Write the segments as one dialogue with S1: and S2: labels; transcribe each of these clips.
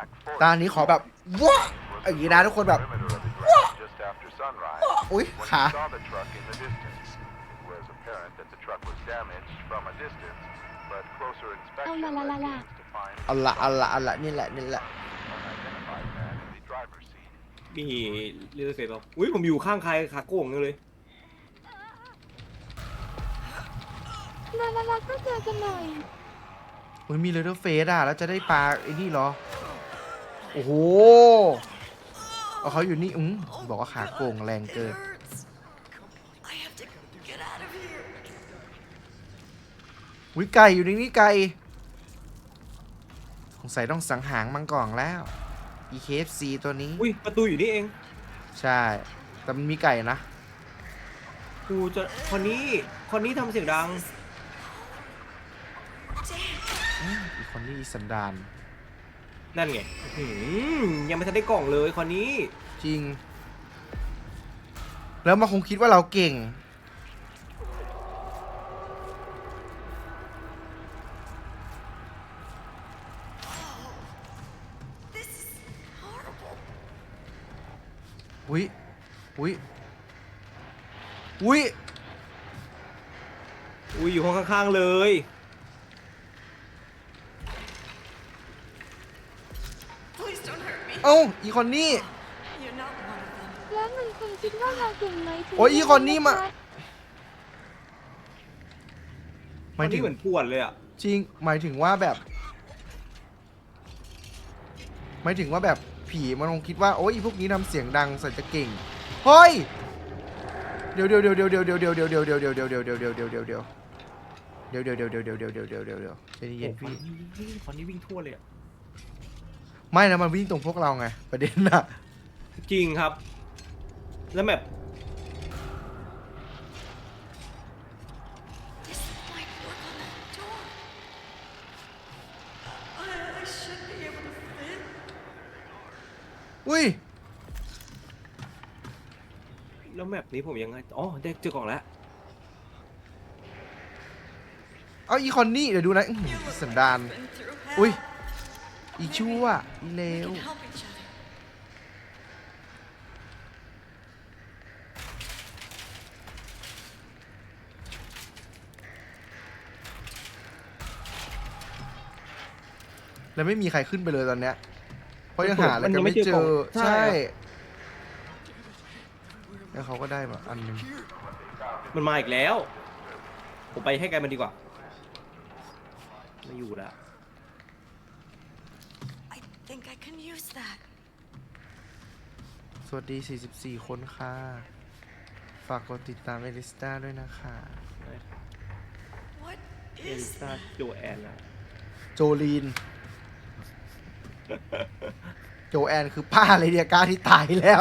S1: ตอนนี้ขอแบบว้าอย่างนี้นะทุกคนแบบว้าอุ้ยขา
S2: เอาละละละละ
S1: เอาละนี่แหละ
S3: มีเรือเสร็จแล้วอุ้ยผมอยู่ข้างใครขาโก่งเลย
S2: ละละละก็เจอกันหน่อย
S1: อุ้ยมีเลเดอร์เฟสอ่ะแล้วจะได้ปลาไอ้นี่เหรอโอ้โหเอาเขาอยู่นี่บอกว่าขาโก่งแรงเกินวิไก่อยู่ในนี้ไก่สงสัยต้องสังหารมังกรแล้ว EKFC ตัวนี้
S3: อุ้ยประตูอยู่นี่เอง
S1: ใช่แต่มันมีไก่นะ
S3: กูจะคนนี้ทำเสียงดัง
S1: อีกคนนี้สันดาน
S3: นั่นไงยังไม่ทันได้กล่องเลยคนนี้
S1: จริง แล้วมันคงคิดว่าเราเก่งอุ้ยอุ้ยอุ้ย
S3: อุ้ยอยู่ห้องข้างๆเลย
S1: เอ้าอีคนนี้
S2: แล้วมันคงคิดว่าเราเก่งไหมถึง
S1: โอ้ยอีคนนี้มาห
S3: ค
S1: มาย
S3: น
S1: ถึ
S3: นี้
S1: ง
S3: เหมือนป่วนเลยอ่ะ
S1: จริงหมายถึงว่าแบบผีมันคงคิดว่าโอ้ยพวกนี้ทำเสียงดังใส่จะเก่งเฮ้ยเดี๋ยวใจเย็นพี่
S3: คนนี้วิ่งทั่วเลยอ่ะ
S1: ไม่นะมันวิ่งตรงพวกเราไงประเด็นน่ะ
S3: จริงครับ แล้วแบบ
S1: อุ้ย
S3: แล้วแมปนี้ผมยังไงอ๋อได้เจอกล่องแล้ว
S1: เอาอีคอนนี่เดี๋ยวดูนะสันดานอุ้ยอีชั่วอีเลวแล้วไม่มีใครขึ้นไปเลยตอนเนี้ยเพราะยังหาอะไรกันไม่เจอใช่แล้วเขาก็ได้มาอันนึง
S3: มันมาอีกแล้ว ผมไปให้ไกลมันดีกว่าไม่อยู่แล้ว
S1: สวัสดี44คนค่ะฝากกดติดตามเอลิสตาด้วยนะคะ
S3: เอลิซาโจแอนนะ
S1: โจลีน โจแอนคือป้าเลยเดียก้าที่ตายแล้ว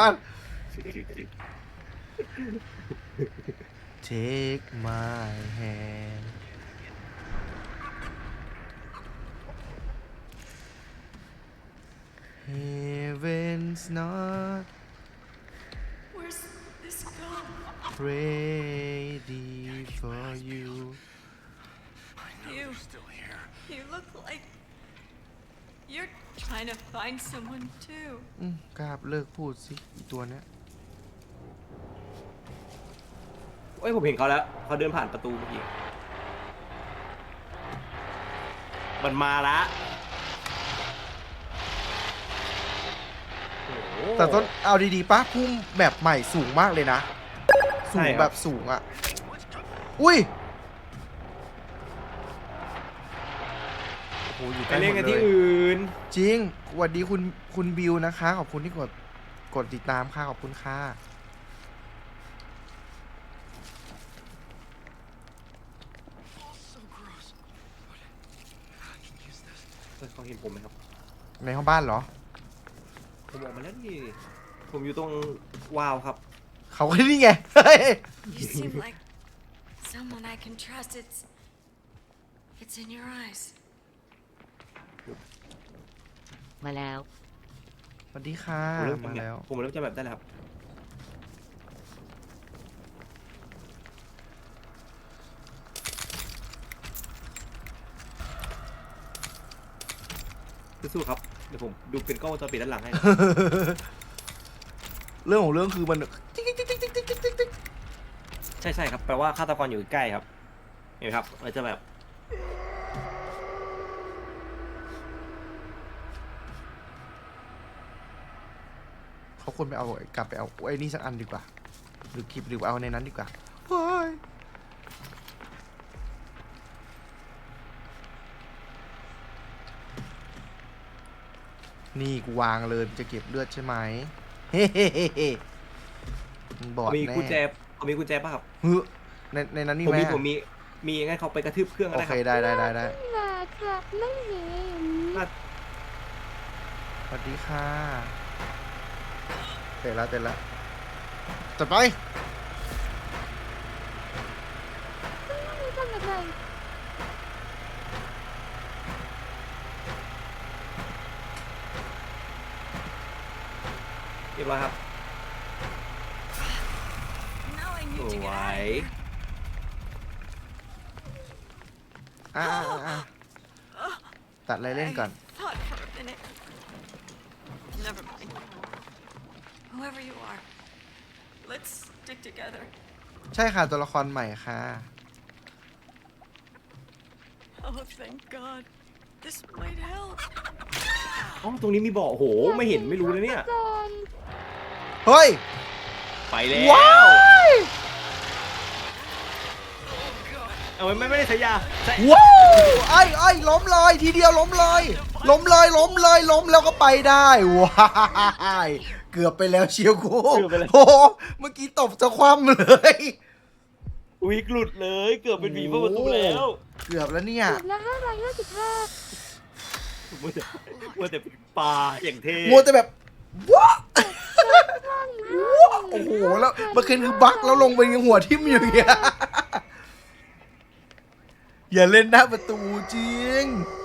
S1: Take my hand Heaven's not ready for you
S4: You look like you're trying to find someone too.
S1: กราบเลิกพูดสิอีตัวเนี้ย
S3: เอ้ยผมเห็นเขาแล้วเขาเดินผ่านประตูเมื่อกี้มันมาละโอ้โห
S1: แต่ต้นเอาดีๆป้าพุ่มแบบใหม่สูงมากเลยนะ สู
S3: ใช่
S1: ง
S3: ครับ
S1: แบบสูงอ่ะ อุ้ยโอ้โหอยู่
S3: ไป
S1: ใกล้ห
S3: เล่น
S1: ม
S3: กัน
S1: ดเล
S3: ที่
S1: ย
S3: อื่น
S1: จริงสวัสดีคุณบิวนะคะ ขอบคุณที่กดติดตามค่ะขอบคุณค่ะ
S3: เขาเห็นผมไหมครับ
S1: ในห้องบ้านเหรอ
S3: ผมออกมาแล้วนี่ผมอยู่ตรงวาวครับ
S1: เขาก็นี่ไง เฮ้ย
S4: You seem like someone I can trust. It's in your eyes.
S2: มาแล้ว
S1: สวัสดีค่ะ
S3: ผมเริ่ม
S1: มาแล้ว
S3: ผมเริ่มจะแบบได้แล้วครับสู้ๆครับเดี๋ยวผมดูเป็นกล้องวงจรปิดด้านหลังให้
S1: เรื่องของเรื่องคือมันติ๊กติ๊กติ๊กติ๊กติ๊กติ๊กติ๊กติ๊ก
S3: ใช่ครับแปลว่าฆาตกรอยู่ใกล้ครับเห็นไหมครับมันจะแบบ
S1: เขาควรไปเอากลับไปเอาไอ้นี่สักอันดีกว่าหรือคลิปหรือเอาในนั้นดีกว่าว้ายนี่กูวางเลยจะเก็บเลือดใช่ไหมเฮ้เฮ้เฮ้เฮ้มึงบอด
S3: มี
S1: แน่
S3: กุญแจผมมีกุญแจป่ะครับ
S1: เฮ้ยในนั้นนี่
S3: ผม
S1: ไหม
S3: มีงั้นเขาไปกระทืบเครื่องก็
S1: โอ
S3: ได้
S1: เค
S3: ครับ
S1: ได้
S2: มาครับไม่เห็น
S1: สวัสดีค่ะเตะแล้วจัดไป
S2: ไม่ทำอะไร
S3: เรียบร้อยครับ
S4: Now I
S3: ส
S4: need to
S3: ว
S4: get out
S3: ย
S4: of here.
S1: ตัดอะไรเล่นก่อน
S4: I thought for a minute. Never mind. Whoever you are, let's stick together.
S1: ใช่ค่ะตัวละครใหม่ค่ะ
S4: Oh, thank God. This might help.
S3: อ๋อตรงนี้มีบ่อโอ้โหไม่เห็นไม่รู้เลยเนี่ย
S2: ก่อน
S1: เฮ้ย
S3: ไปแล้ว
S1: ว้าย
S3: เอาไม่ได้ใช้ยาใช้
S1: ว้าวไอ้ล้มเลยทีเดียวล้มเลยล้มแล้วก็ไปได้ว้ายเกือบไปแล้วเชียวกูโอ้โหเมื่อกี้ตบจะคว่ำเลย
S3: วิกหลุดเลยเกือบเป็นผีเปิดประตูแล้ว
S1: เกือบแล้วเนี่ย
S2: จุดละ555
S3: มัวแต่เป็นปลาอย่างเท่
S1: มัวแต่แบบว้า
S2: ข้าง
S1: โอ้โหแล้วเมื่อคืนคือบั๊กแล้วลงไปยังหัวทิ่มอยู่อย่างเงี้ยอย่าเล่นหน้าประตูจริง